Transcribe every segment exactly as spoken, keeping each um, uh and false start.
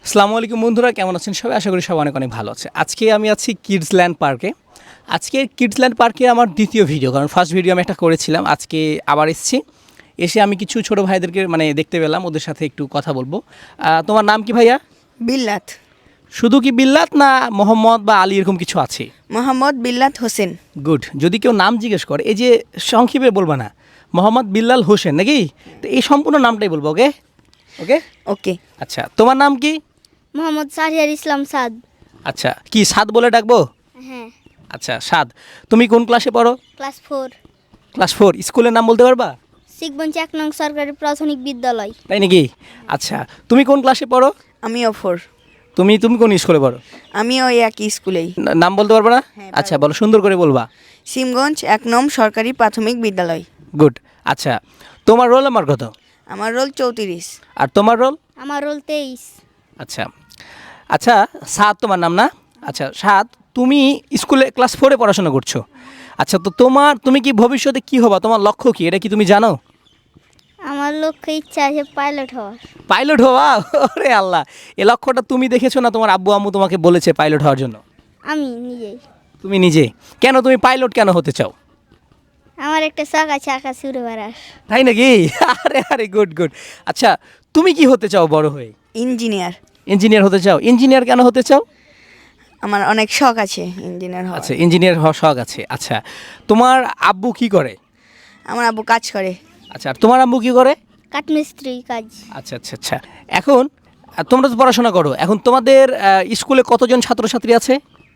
আসসালামু আলাইকুম বন্ধুরা, কেমন আছেন সবাই? আশা করি সবাই অনেক অনেক ভালো আছে। আজকে আমি আছি কিডসল্যান্ড পার্কে। আজকে কিডসল্যান্ড পার্কে আমার দ্বিতীয় ভিডিও, কারণ ফার্স্ট ভিডিও আমি একটা করেছিলাম। আজকে আবার এসেছি, এসে আমি কিছু ছোট ভাইদেরকে মানে দেখতে পেলাম, ওদের সাথে একটু কথা বলবো। আহ, তোমার নাম কি ভাইয়া? বিল্লাত। শুধু কি বিল্লাত না মোহাম্মদ বা আলী এরকম কিছু আছে? মোহাম্মদ বিল্লাত হোসেন। গুড। যদি কেউ নাম জিজ্ঞেস করে, এই যে সংক্ষেপে বলবা না, মোহাম্মদ বিল্লাল হোসেন নাকি? তো এই সম্পূর্ণ নামটাই বলবো। ওকে ওকে ওকে। আচ্ছা, তোমার নাম কি? মোহাম্মদ সারিয়ার ইসলাম সাদ। আচ্ছা, কি সাদ বলে ডাকবো? হ্যাঁ, আচ্ছা সাদ, তুমি কোন ক্লাসে পড়ো? Class four, class four. স্কুলের নাম বলতে পারবা? শিখবঞ্চি এক নং সরকারি প্রাথমিক বিদ্যালয়। তাই নাকি? আচ্ছা, তুমি কোন ক্লাসে পড়ো? আমিও ফোর। তুমি তুমি কোন স্কুলে পড়ো? আমিও ওই একই স্কুলেই। না- নাম বলতে পারবা না? হ্যাঁ, আচ্ছা বলো, সুন্দর করে বলবা। সিমগঞ্জ এক নং সরকারি প্রাথমিক বিদ্যালয়। গুড। আচ্ছা, তোমার রোল নাম্বার কত? আমার রোল চৌত্রিশ। আর তোমার রোল? আমার রোল তেইশ। আচ্ছা আচ্ছা, সাদ তোমার নাম না? আচ্ছা সাদ, তুমি স্কুলে ক্লাস ফোরে পড়াশোনা করছো। আচ্ছা, তো তোমার তুমি কি ভবিষ্যতে কি হবা? তোমার লক্ষ্য কি, এটা কি তুমি জানো? আমার লক্ষ্য ইচ্ছা আছে পাইলট হওয়ার। পাইলট হওয়া? ওরে আল্লাহ, এই লক্ষ্যটা তুমি দেখেছো না তোমার আব্বু আম্মু তোমাকে বলেছে পাইলট হওয়ার জন্য? আমি নিজেই। তুমি নিজে কেন, তুমি পাইলট কেন হতে চাও? আমার একটা শখ আছে আকাশ উড়ে বেড়ার। তাই নাকি? আরে আরে, গুড গুড। আচ্ছা, তুমি কি হতে চাও বড় হয়ে? ইঞ্জিনিয়ার। ইঞ্জিনিয়ার হতে চাও? ইঞ্জিনিয়ার কেন হতে চাও? আমার অনেক শখ আছে ইঞ্জিনিয়ার হওয়ার। আচ্ছা, ইঞ্জিনিয়ার হওয়ার শখ আছে। আচ্ছা, তোমার আব্বু কি করে? আমার আব্বু কাজ করে। আচ্ছা, আর তোমার আব্বু কি করে? কাঠমিস্ত্রি কাজ। আচ্ছা আচ্ছা আচ্ছা। এখন আহ, তোমরা তো পড়াশোনা করো, এখন তোমাদের আহ, স্কুলে কতজন ছাত্রছাত্রী আছে?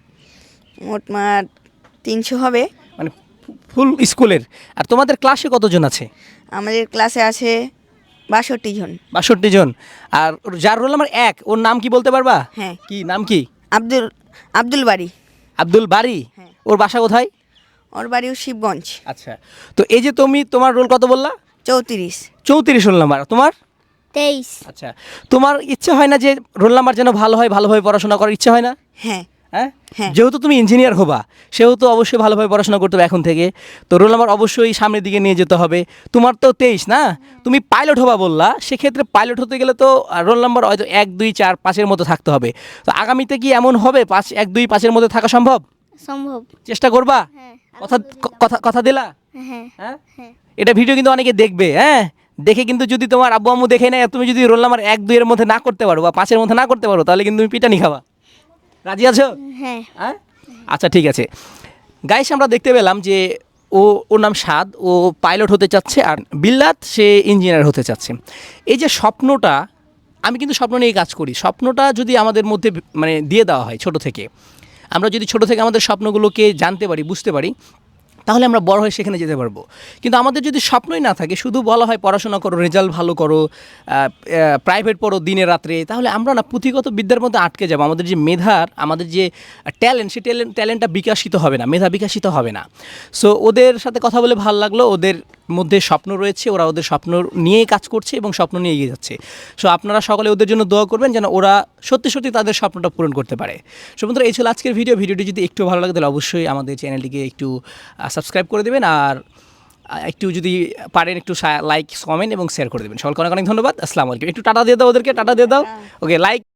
মোটমাট তিনশো হবে। মানে ফুল স্কুলের। আর তোমাদের ক্লাসে কতজন আছে? আমাদের ক্লাসে আছে বাষট্টি জন। বাষট্টি জন। আর ওর যার রোল নাম্বার এক, ওর নাম কি বলতে পারবা? হ্যাঁ। কি নাম কি? আব্দুল আব্দুল বাড়ি। আব্দুল বারি? হ্যাঁ। ওর বাসা কোথায়? ওর বাড়িও শিবগঞ্জ। আচ্ছা, তো এই যে তুমি তোমার রোল কত বললা? চৌত্রিশ। চৌত্রিশ রোল নাম্বার তোমার? তেইশ। আচ্ছা, তোমার ইচ্ছে হয় না যে রোল নাম্বার যেন ভালো হয়, ভালোভাবে পড়াশোনা করার ইচ্ছে হয় না? হ্যাঁ। হ্যাঁ। হ্যাঁ। যেহেতু তুমি ইঞ্জিনিয়ার হবা, সেহেতু অবশ্যই ভালোভাবে পড়াশোনা করতে হবে এখন থেকে। তো রোল নাম্বার অবশ্যই সামনের দিকে নিয়ে যেতে হবে। তোমার তো তেইশ না, তুমি পাইলট হবা বললা, সেক্ষেত্রে পাইলট হতে গেলে তো রোল নাম্বার হয়তো এক দুই চার পাঁচের মতো থাকতে হবে। তো আগামীতে কি এমন হবে পাঁচ এক দুই পাঁচের মধ্যে থাকা সম্ভব? সম্ভব। চেষ্টা করবা? হ্যাঁ। কথা কথা কথা দিলা? হ্যাঁ। হ্যাঁ। হ্যাঁ। এটা ভিডিও কিন্তু অনেকে দেখবে, হ্যাঁ, দেখে কিন্তু যদি তোমার আব্বু আম্মু দেখে নেয়, তুমি যদি রোল নাম্বার এক দুইয়ের মধ্যে না করতে পারো বা পাঁচের মধ্যে না করতে পারো, তাহলে কিন্তু তুমি পিটানি খাবা। রাজি আছো? হ্যাঁ। হ্যাঁ। আচ্ছা ঠিক আছে গাইস, আমরা দেখতে পেলাম যে ও ওর নাম সাদ, ও পাইলট হতে চাচ্ছে, আর বিল্লাত সে ইঞ্জিনিয়ার হতে চাচ্ছে। এই যে স্বপ্নটা, আমি কিন্তু স্বপ্ন নিয়ে কাজ করি। স্বপ্নটা যদি আমাদের মধ্যে মানে দিয়ে দেওয়া হয় ছোট থেকে, আমরা যদি ছোট থেকে আমাদের স্বপ্নগুলোকে জানতে পারি, বুঝতে পারি, তাহলে আমরা বড় হয়ে সেখানে যেতে পারবো। কিন্তু আমাদের যদি স্বপ্নই না থাকে, শুধু বলা হয় পড়াশোনা করো, রেজাল্ট ভালো করো, প্রাইভেট পড়ো দিনে রাত্রে, তাহলে আমরা না পুঁথিগত বিদ্যার মধ্যে আটকে যাবো। আমাদের যে মেধার, আমাদের যে ট্যালেন্ট, সেই ট্যালেন্ট ট্যালেন্টটা বিকাশিত হবে না, মেধা বিকাশিত হবে না। সো ওদের সাথে কথা বলে ভালো লাগলো। ওদের মধ্যে স্বপ্ন রয়েছে, ওরা ওদের স্বপ্ন নিয়েই কাজ করছে এবং স্বপ্ন নিয়ে এগিয়ে যাচ্ছে। সো আপনারা সকলে ওদের জন্য দোয়া করবেন যেন ওরা সত্যি সত্যি তাদের স্বপ্নটা পূরণ করতে পারে। সো বন্ধুরা, এই ছিল আজকের ভিডিও। ভিডিওটি যদি একটু ভালো লাগে তাহলে অবশ্যই আমাদের চ্যানেলটিকে একটু সাবস্ক্রাইব করে দেবেন, আর একটু যদি পারেন একটু লাইক, কমেন্ট এবং শেয়ার করে দেবেন। সকলকে অনেক অনেক ধন্যবাদ। আসসালামু আলাইকুম। একটু টাটা দিয়ে দাও ওদেরকে, টাটা দিয়ে দাও। ওকে, লাইক